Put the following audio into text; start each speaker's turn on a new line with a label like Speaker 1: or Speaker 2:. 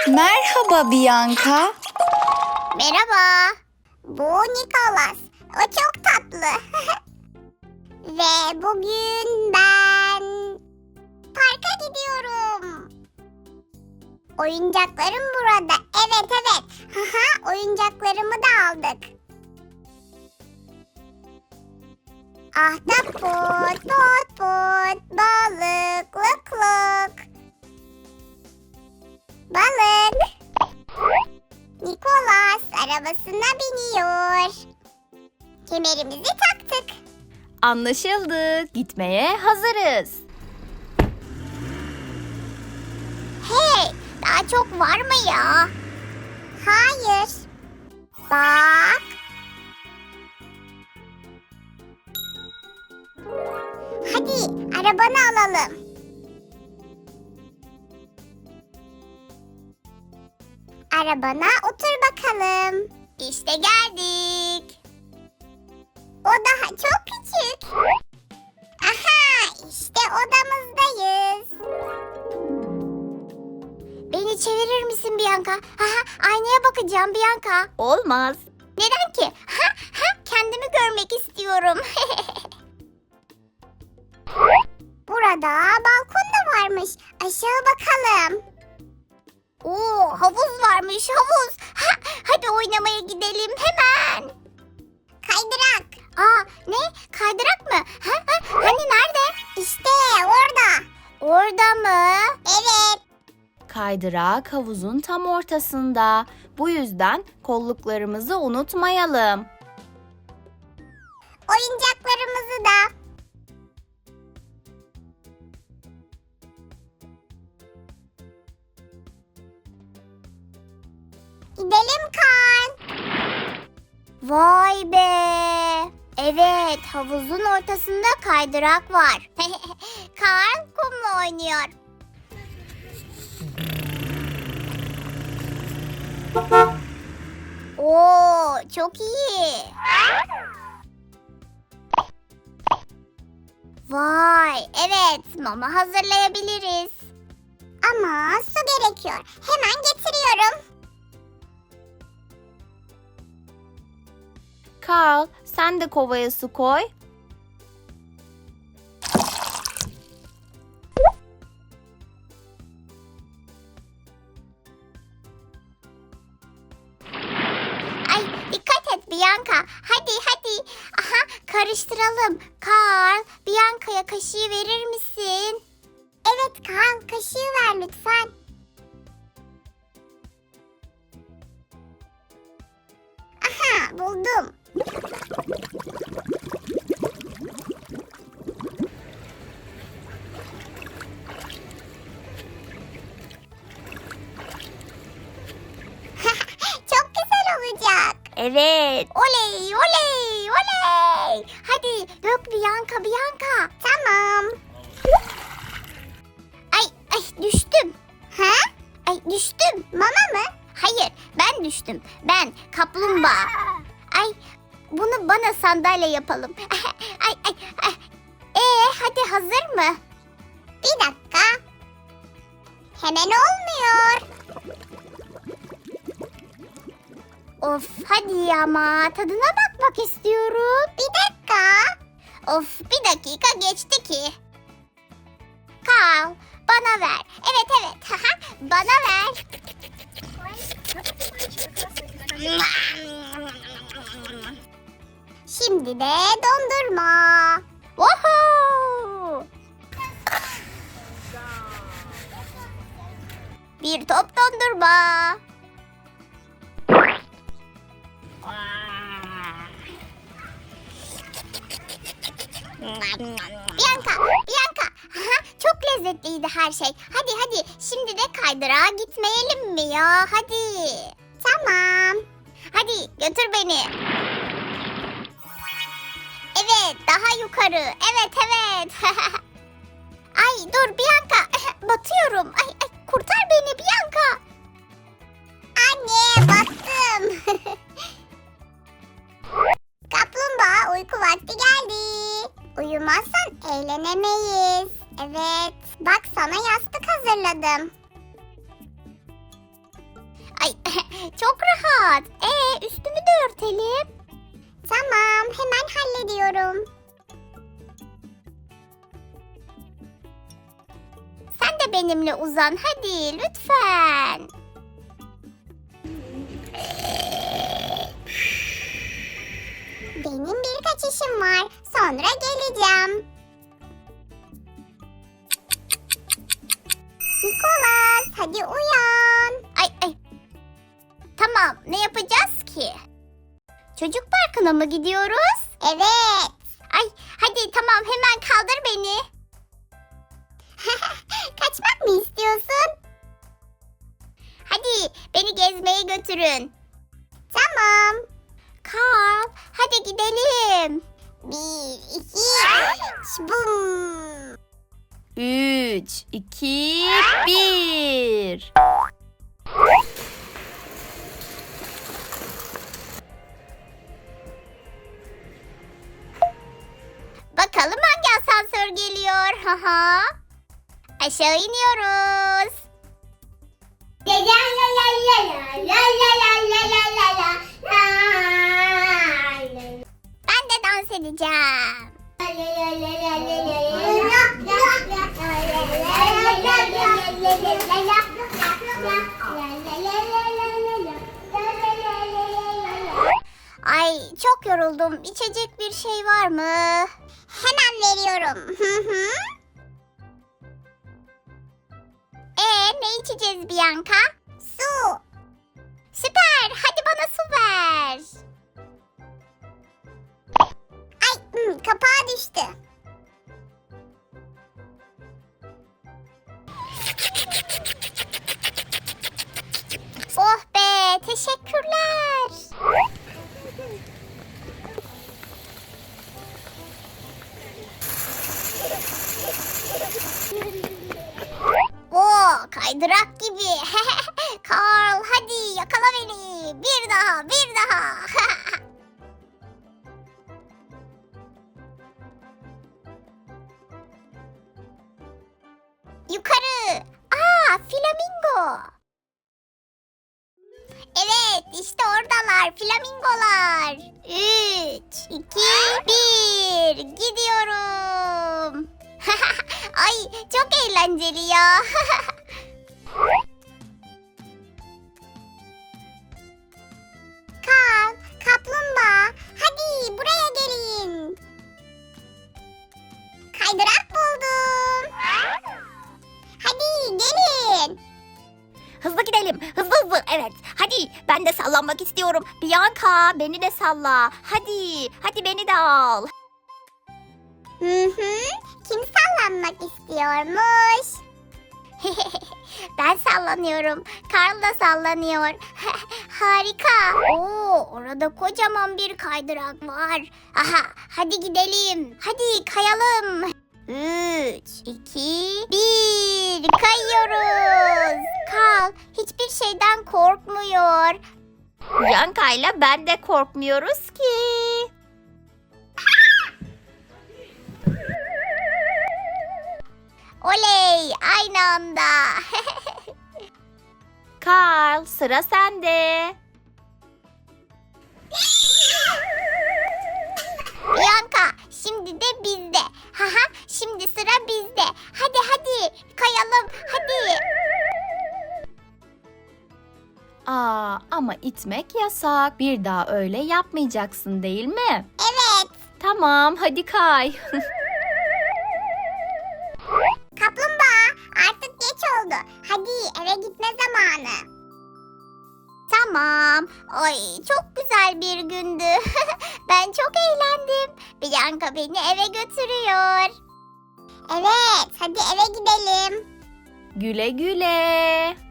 Speaker 1: Merhaba Bianca.
Speaker 2: Merhaba. Bu Nicholas. O çok tatlı. Ve bugün ben parka gidiyorum. Oyuncaklarım burada. Evet. Oyuncaklarımı da aldık. Ahtapot, pot, balık, lık. Balık. Nicholas arabasına biniyor. Kemerimizi taktık.
Speaker 1: Anlaşıldı. Gitmeye hazırız.
Speaker 2: Hey, daha çok var mı ya? Hayır. Bak. Hadi arabanı alalım. Arabana otur bakalım. İşte geldik. O daha çok küçük. Aha, işte odamızdayız. Beni çevirir misin Bianca? Aynaya bakacağım Bianca.
Speaker 1: Olmaz.
Speaker 2: Neden ki? Kendimi görmek istiyorum. Burada balkon da varmış. Aşağı bakalım. Oo, havuz varmış, havuz. Hadi oynamaya gidelim hemen. Kaydırak. Ne? Kaydırak mı? Hani nerede? İşte orada. Orada mı? Evet.
Speaker 1: Kaydırak havuzun tam ortasında. Bu yüzden kolluklarımızı unutmayalım.
Speaker 2: Oyuncaklarımızı da. Gidelim Kaan. Vay be. Evet, havuzun ortasında kaydırak var. Kaan kumla oynuyor. Oo, çok iyi. Vay, evet, mama hazırlayabiliriz. Ama su gerekiyor. Hemen getiriyorum.
Speaker 1: Carl, sen de kovaya su koy.
Speaker 2: Ay, dikkat et Bianca. Hadi. Karıştıralım. Carl, Bianca'ya kaşığı verir misin? Evet Carl, kaşığı ver lütfen. Aha, buldum. Çok güzel olacak.
Speaker 1: Evet.
Speaker 2: Oley. Hadi dök Bianca. Tamam. Ay düştüm. Ay düştüm. Mama mı? Hayır, ben düştüm. Ben kaplumbağa. Ay bunu bana sandalye yapalım. Ay. Hadi hazır mı? Bir dakika. Hemen olmuyor. Of hadi ama tadına bakmak istiyorum. Bir dakika. Of bir dakika geçti ki. Carl bana ver. Evet. Bana ver. Şimdi de dondurma. Woohoo! Bir top dondurma. Bianca. Çok lezzetliydi her şey. Hadi. Şimdi de kaydırağa gitmeyelim mi ya? Hadi. Tamam. Hadi götür beni. Evet, daha yukarı. Evet. Ay dur Bianca. Batıyorum. Ay kurtar beni Bianca. Anne battım. Kaplumbağa uyku vakti geldi. Uyumazsan eğlenemeyiz. Evet. Bak sana yastık hazırladım. Çok rahat. Üstümü de örtelim. Tamam, hemen hallediyorum. Sen de benimle uzan hadi lütfen. Benim birkaç işim var. Sonra geleceğim. Nikolas, hadi uyan. Ay. Tamam, ne yapacağız ki? Çocuk parkına mı gidiyoruz? Evet. Ay, hadi tamam hemen kaldır beni. Kaçmak mı istiyorsun? Hadi beni gezmeye götürün. Tamam. Carl, hadi gidelim. 1, 2, 3, bum.
Speaker 1: 3, 2, 1.
Speaker 2: Bakalım hangi asansör geliyor? Haha. Aşağı iniyoruz. Ben de dans edeceğim. Ay çok yoruldum. İçecek bir şey var mı? Hemen veriyorum. Ne içeceğiz Bianca? Su. Süper. Hadi bana su ver. Ay kapağı düştü. Oh be, teşekkürler. Oo, kaydırak gibi. Carl, hadi yakala beni. Bir daha. Yukarı. Flamingo. Evet, işte oradalar flamingolar. 3, 2, 1. Gidiyorum. Ay, çok eğlenceli ya. Carl, kaplumbağa, hadi buraya gelin. Kaydırak buldum. Hadi gelin.
Speaker 1: Hızlı gidelim. Hızlı. Evet. Hadi ben de sallanmak istiyorum. Bianca beni de salla. Hadi beni de al.
Speaker 2: Kim sallanmak istiyormuş? Ben sallanıyorum. Carl da sallanıyor. Harika. Oo, orada kocaman bir kaydırak var. Aha, hadi gidelim. Hadi kayalım. 3, 2, 1. Kayıyoruz. Carl hiçbir şeyden korkmuyor.
Speaker 1: Bianca ile ben de korkmuyoruz ki.
Speaker 2: Oley, aynı anda.
Speaker 1: Carl, sıra sende.
Speaker 2: Bianca, şimdi de bizde. Haha, şimdi sıra bizde. Hadi kayalım. Hadi.
Speaker 1: Ama itmek yasak. Bir daha öyle yapmayacaksın değil mi?
Speaker 2: Evet.
Speaker 1: Tamam, hadi kay.
Speaker 2: Kaplumbağa, artık geç oldu. Hadi eve gitme zamanı. Tamam. Ay çok güzel bir gündü. Ben çok eğlendim. Bianca beni eve götürüyor. Evet, hadi eve gidelim.
Speaker 1: Güle güle.